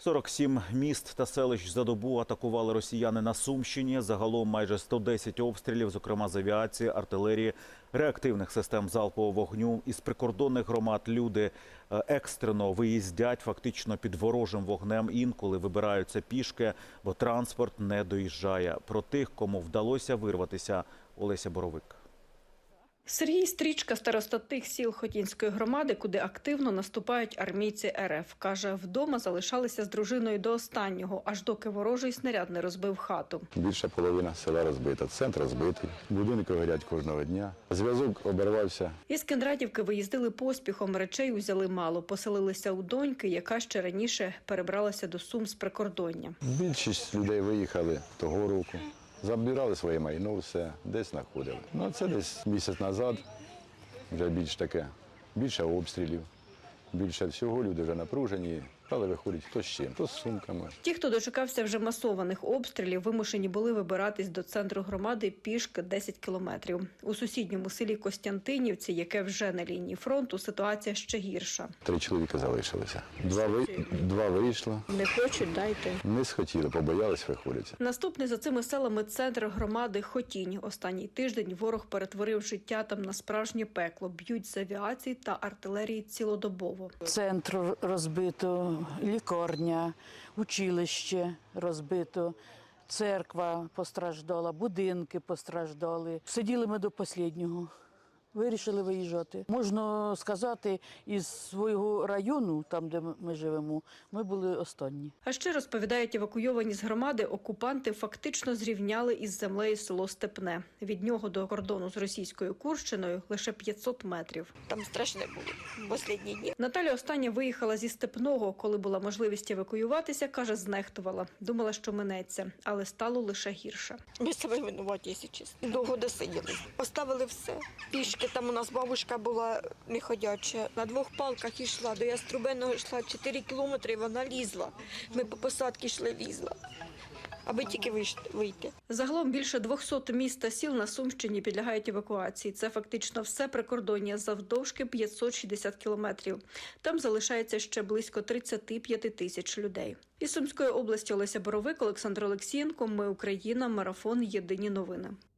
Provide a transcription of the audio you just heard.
47 міст та селищ за добу атакували росіяни на Сумщині. Загалом майже 110 обстрілів, зокрема з авіації, артилерії, реактивних систем залпового вогню. Із прикордонних громад люди екстрено виїздять фактично під ворожим вогнем. Інколи вибираються пішки, бо транспорт не доїжджає. Про тих, кому вдалося вирватися, Олеся Боровик. Сергій Стрічка – староста тих сіл Хотінської громади, куди активно наступають армійці РФ. Каже, вдома залишалися з дружиною до останнього, аж доки ворожий снаряд не розбив хату. Більша половина села розбита, центр розбитий, будинки горять кожного дня. Зв'язок обірвався. Із Кіндратівки виїздили поспіхом, речей узяли мало. Поселилися у доньки, яка ще раніше перебралася до Сум з прикордоння. Більшість людей виїхали того року. Забирали своє майно, все, десь знаходили. Ну, це десь місяць назад, вже більше обстрілів, більше всього, люди вже напружені, але виходять хто з чим, хто з сумками. Ті, хто дочекався вже масованих обстрілів, вимушені були вибиратись до центру громади пішки 10 кілометрів. У сусідньому селі Костянтинівці, яке вже на лінії фронту, ситуація ще гірша. 3 чоловіка залишилися. Два вийшло. Не хочуть, дайте. Не схотіли, побоялись виходити. Наступний за цими селами центр громади Хотінь. Останній тиждень ворог перетворив життя там на справжнє пекло. Б'ють з авіації та артилерії цілодобово. Центр розбито, лікарня, училище розбито, церква постраждала, будинки постраждали. Сиділи ми до останнього. Вирішили виїжджати. Можна сказати, із свого району, там, де ми живемо, ми були останні. А ще, розповідають евакуйовані з громади, окупанти фактично зрівняли із землею село Степне. Від нього до кордону з російською Курщиною лише 500 метрів. Там страшне було останні дні. Наталя остання виїхала зі Степного. Коли була можливість евакуюватися, каже, знехтувала. Думала, що минеться, але стало лише гірше. Ми себе винуваті, якщо чесно. Довго досиділи. Поставили все. Пішки. Там у нас бабушка була неходяча. На 2 палках йшла, до Яструбеного йшла 4 кілометри, вона лізла. Ми по посадці йшли, лізла, аби тільки вийти. Загалом більше 200 міст та сіл на Сумщині підлягають евакуації. Це фактично все прикордоння завдовжки 560 кілометрів. Там залишається ще близько 35 тисяч людей. Із Сумської області Олеся Боровик, Олександр Олексієнко. Ми Україна. Марафон. Єдині новини.